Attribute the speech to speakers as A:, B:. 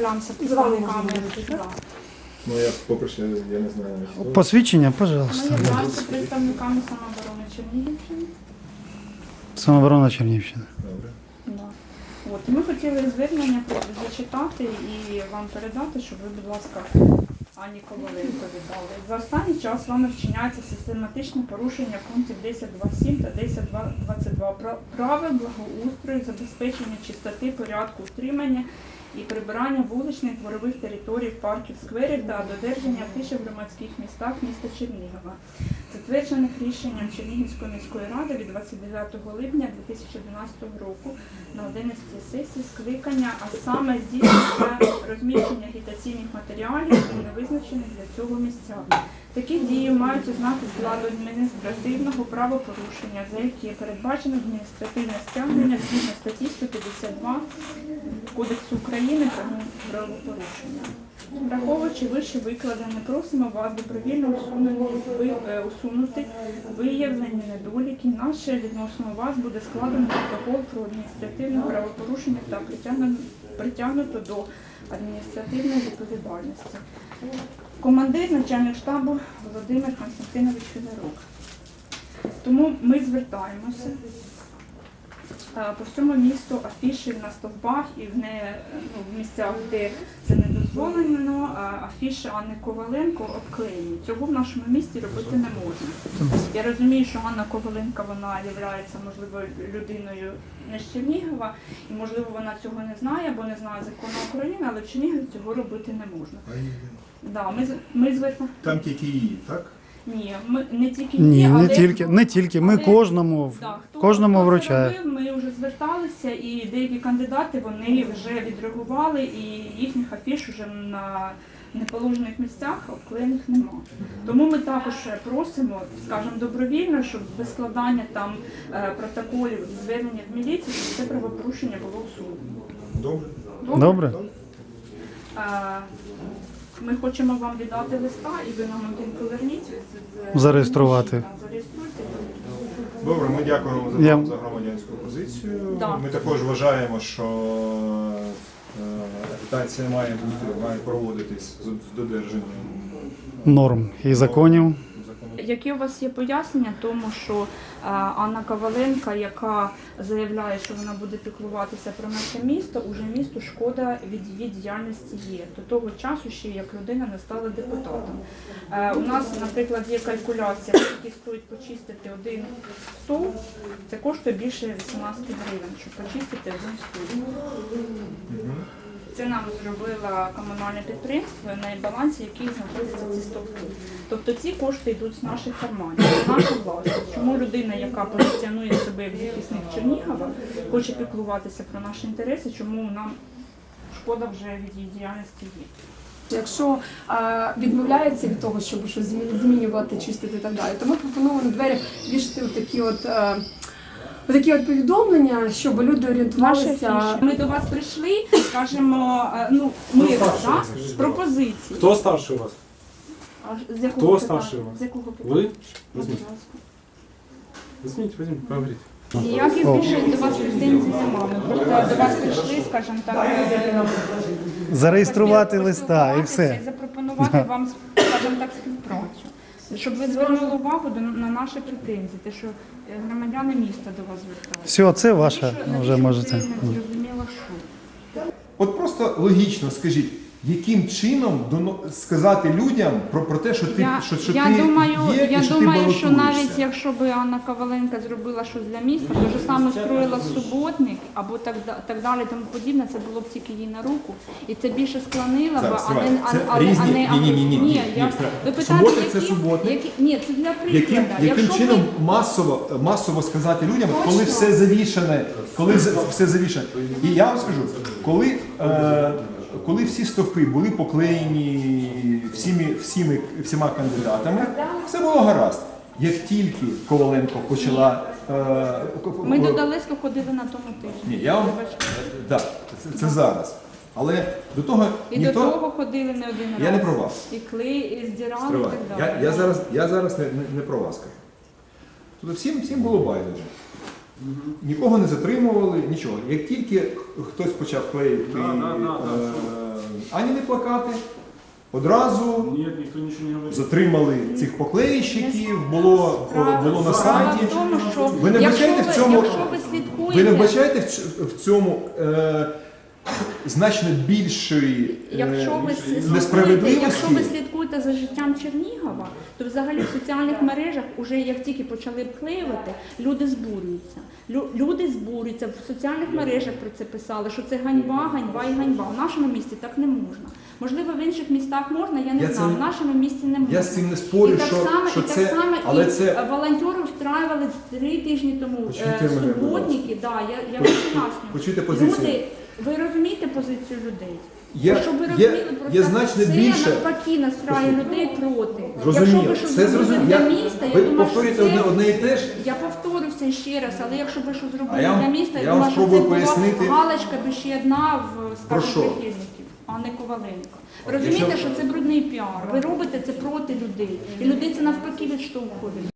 A: являємося представниками.
B: Ну, я попрошу, я не знаю.
C: Посвідчення,
A: Ми
C: пожалуйста.
A: являємося представниками самооборони Чернігівщини.
C: Самооборона Чернігівщини.
B: Добре.
A: Да. От, і ми хотіли звернення зачитати і вам передати, щоб ви, будь ласка, Анні Коваленко віддали. За останній час вами вчиняється систематичне порушення пунктів 10.2.7 та 10.2.22 правил благоустрою, забезпечення чистоти, порядку, утримання і прибирання вуличних дворових територій, парків, скверів та додержання тиші в громадських містах міста Чернігова, затверджених рішенням Чернігівської міської ради від 29 липня 2012 року на 11 сесії скликання, а саме здійснення розміщення агітаційних матеріалів у невизначених для цього місцях. Такі дії мають ознаки складу адміністративного правопорушення, за які передбачено адміністративне стягнення згідно статті 152 Кодексу України про правопорушення. Враховуючи вище викладене, просимо вас добровільно усунути виявлені недоліки. Наше відносно вас буде складено протокол про адміністративне правопорушення та притягнуто до адміністративної відповідальності. Командир, начальник штабу Володимир Константинович Федорук. Тому ми звертаємося по всьому місту афіші на стовпах і в місцях, де це не дозволено, афіші Анни Коваленко обклеєні. Цього в нашому місті робити не можна. Я розумію, що Анна Коваленко, вона є, можливо, людиною не з Чернігова, і, можливо, вона цього не знає, або не знає закону України, але в Чернігові цього робити не можна. Да, ми
B: Там тільки її, так?
A: Ні, ми не тільки
C: Ні,
A: але
C: не тільки. Ми кожному
A: хто
C: вручаємо.
A: робив, ми вже зверталися, і деякі кандидати, вони вже відреагували, і їхніх афіш вже на неположених місцях обклеєних нема. Тому ми також просимо, скажімо, добровільно, щоб без складання там протоколів, звернення в міліцію, щоб це правопорушення було усунено.
B: Добре.
C: Добре?
A: Ми хочемо вам віддати листа, і ви нам один поверніть.
C: Зареєструвати.
A: Зареєструйте.
B: Добре, ми дякуємо за громадянську позицію.
A: Да.
B: Ми також вважаємо, що агітація має проводитись з додержанням
C: Норм і законів.
A: Які у вас є пояснення тому, що Анна Коваленко, яка заявляє, що вона буде піклуватися про наше місто, уже місту шкода від її діяльності є. До того часу ще як людина не стала депутатом. У нас, наприклад, є калькуляція, які стоїть почистити один стовп, це коштує більше 18 гривень, щоб почистити один стовп. Це нам зробило комунальне підприємство, на балансі яких знаходяться ці стовпи. Тобто ці кошти йдуть з наших карманів, з нашої власності. Чому людина, яка позиціонує себе як захисник Чернігова, хоче піклуватися про наші інтереси, чому нам шкода вже від її діяльності є?
D: Якщо відмовляється від того, щоб щось змінювати, чистити і так далі, то ми пропонуємо на двері вішати такі от повідомлення, щоб люди орієнтувалися.
A: Ми до вас прийшли, кажемо, з пропозиції.
E: Хто старший у вас?
A: З якого
E: Хто
A: питання?
E: старший у вас?
A: З якого питання?
E: Ви? Візьміть, поговоріть.
A: Ніяких більше до вас претензій немає. Ми просто до вас прийшли, скажімо так,
C: Зареєструвати листа і все.
A: і запропонувати вам, скажімо так, співпрацю. Щоб ви звернули увагу на наші претензії, те, що громадяни міста до вас звертаються.
C: Все, це ваше вже можете.
A: Зрозуміло, що.
B: От просто логічно скажіть, яким чином сказати людям про те, що ти
A: Я
B: і що ти
A: думаю,
B: балотуєшся?
A: що навіть якщо б Анна Коваленко зробила щось для міста, то ж саме строїла суботник або так далі, тому подібне, це було б тільки їй на руку. І це більше склонило б,
B: Суботник – це суботник.
A: Ні, це для прикладу.
B: Яким чином масово сказати людям, коли все завішане, І я вам скажу, коли всі стовпи були поклеєні всіма кандидатами, все було гаразд. Як тільки Коваленко почала...
A: Ми до Далецька ходили на тому тижні.
B: Ні, так, це зараз. Але до того
A: і
B: ніхто...
A: до того ходили не один раз.
B: Я не про вас.
A: І клей, і здирали, і так далі.
B: Я зараз не про вас кажу. Тобто всім було байдуже. Нікого не затримували, нічого. Як тільки хтось почав клеїти ані не плакати. Одразу
E: Нет, никто ничего не говорит.
B: затримали цих поклеїщиків, було на
A: Справа
B: сайті.
A: в тому, що
B: Ви не
A: якщо
B: вбачаєте
A: ви-
B: в цьому,
A: якщо ви слідкуєте,
B: ви не вбачаєте в цьому значно більшої
A: Якщо ви слідкуєте,
B: несправедливості?
A: якщо ви слідкуєте за життям Чернігова, то взагалі в соціальних мережах, уже як тільки почали вклеювати, люди збурюються. Люди збурюються, в соціальних мережах про це писали, що це ганьба, ганьба і ганьба. В нашому місті так не можна. Можливо, в інших містах можна, я не
B: Я
A: знаю.
B: це-
A: В нашому місті не можна.
B: Я з цим не спорю,
A: І так
B: що,
A: само,
B: що
A: і
B: це,
A: так само,
B: але
A: і
B: це
A: волонтери встраювали 3 тижні тому
B: Почуйте мене, будь
A: суботники, да, я вам поясню.
B: почуйте позицію.
A: Люди, ви розумієте позицію людей? Щоб ви
B: Є
A: розуміли, просто
B: є значно
A: це
B: більше.
A: навпаки настрає людей проти.
B: Зрозуміло,
A: Якщо ви щось
B: все
A: зробили
B: зрозуміло.
A: для міста,
B: Ви
A: я думаю, що
B: повторюєте
A: це...
B: одне і те ж.
A: Я повторюся ще раз, але якщо ви щось зробили
B: я вам-
A: для міста,
B: я
A: я
B: вам
A: думаю, що це
B: спробую
A: була
B: пояснити.
A: галочка би ще одна в
B: Про
A: списку
B: що?
A: прихильників, а не Коваленко. Ви розумієте, що це брудний піар. Ви робите це проти людей. І людей це навпаки відштовхує.